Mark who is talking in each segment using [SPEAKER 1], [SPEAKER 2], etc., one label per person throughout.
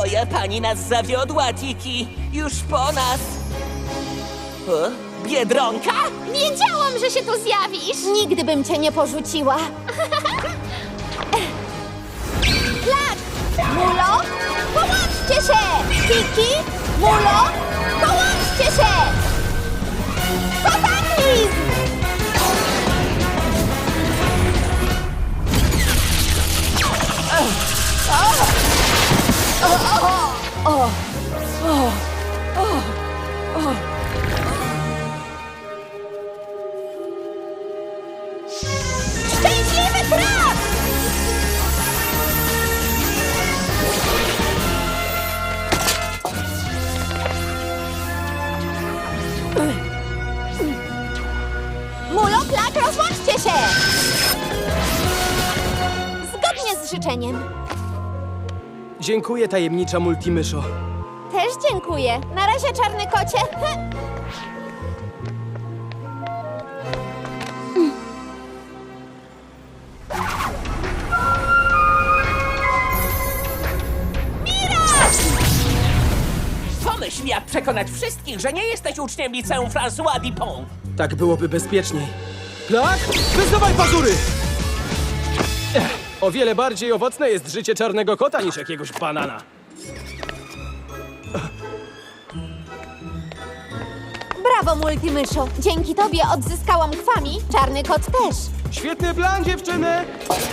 [SPEAKER 1] Twoja pani nas zawiodła, Tiki. Już po nas. O? Biedronka?
[SPEAKER 2] Wiedziałam, że się tu zjawisz!
[SPEAKER 3] Nigdy bym cię nie porzuciła. Flak! Mulo! Połączcie się! Tiki! Mulo! Połączcie się! Kataklizm! Szczęśliwy traf! Mulo, Flak, rozłączcie się! Zgodnie z życzeniem.
[SPEAKER 4] Dziękuję, tajemnicza multimyszo.
[SPEAKER 3] Też dziękuję. Na razie, czarny kocie.
[SPEAKER 1] Pomyśl, jak przekonać wszystkich, że nie jesteś uczniem liceum François Dupont.
[SPEAKER 4] Tak byłoby bezpieczniej. Flak, wysuwaj pazury! O wiele bardziej owocne jest życie czarnego kota niż jakiegoś banana.
[SPEAKER 3] Brawo, multimyszo. Dzięki tobie odzyskałam kwami. Czarny kot też.
[SPEAKER 4] Świetny plan, dziewczyny!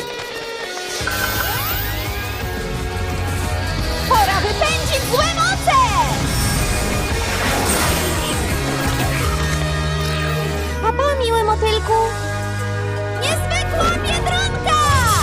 [SPEAKER 3] Pora wypędzić złe moce! Papa, miły motylku. Niezwykła biedronka!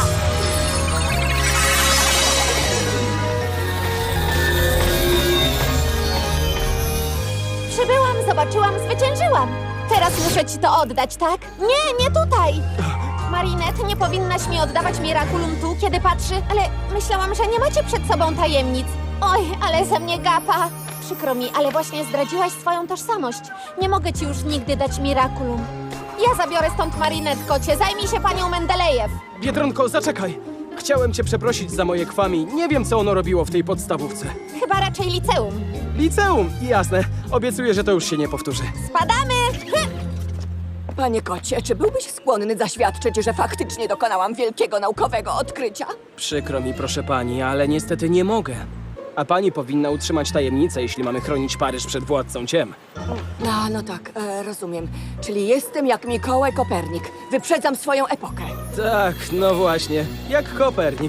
[SPEAKER 3] Przybyłam, zobaczyłam, zwyciężyłam. Teraz muszę ci to oddać, tak? Nie, nie tutaj. Marinette, nie powinnaś mi oddawać Miraculum tu, kiedy patrzy, ale myślałam, że nie macie przed sobą tajemnic. Oj, ale ze mnie gapa. Przykro mi, ale właśnie zdradziłaś swoją tożsamość. Nie mogę ci już nigdy dać Miraculum. Ja zabiorę stąd Marinette, kocie. Zajmij się panią Mendelejew.
[SPEAKER 4] Biedronko, zaczekaj! Chciałem cię przeprosić za moje kwami. Nie wiem, co ono robiło w tej podstawówce.
[SPEAKER 3] Chyba raczej liceum.
[SPEAKER 4] Liceum! Jasne. Obiecuję, że to już się nie powtórzy.
[SPEAKER 3] Spadamy!
[SPEAKER 5] Panie kocie, czy byłbyś skłonny zaświadczyć, że faktycznie dokonałam wielkiego naukowego odkrycia?
[SPEAKER 4] Przykro mi, proszę pani, ale niestety nie mogę. A pani powinna utrzymać tajemnicę, jeśli mamy chronić Paryż przed władcą ciem.
[SPEAKER 5] No tak, rozumiem. Czyli jestem jak Mikołaj Kopernik. Wyprzedzam swoją epokę.
[SPEAKER 4] Tak, no właśnie. Jak Kopernik.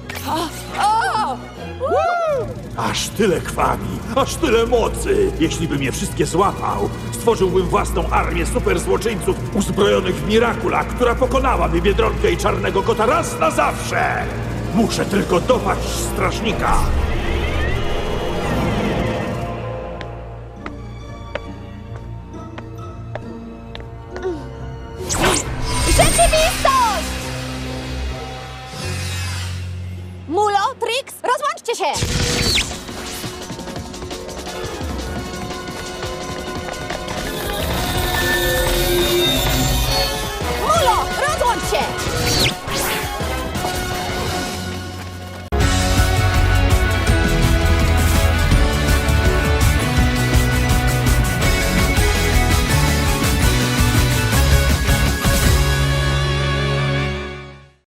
[SPEAKER 6] Aż tyle kwami, aż tyle mocy! Jeśli bym je wszystkie złapał, stworzyłbym własną armię superzłoczyńców uzbrojonych w Miracula, która pokonałaby Biedronkę i Czarnego Kota raz na zawsze! Muszę tylko dopaść strażnika!
[SPEAKER 3] Rzeczywistość! Mulo, Trix, rozłączcie się!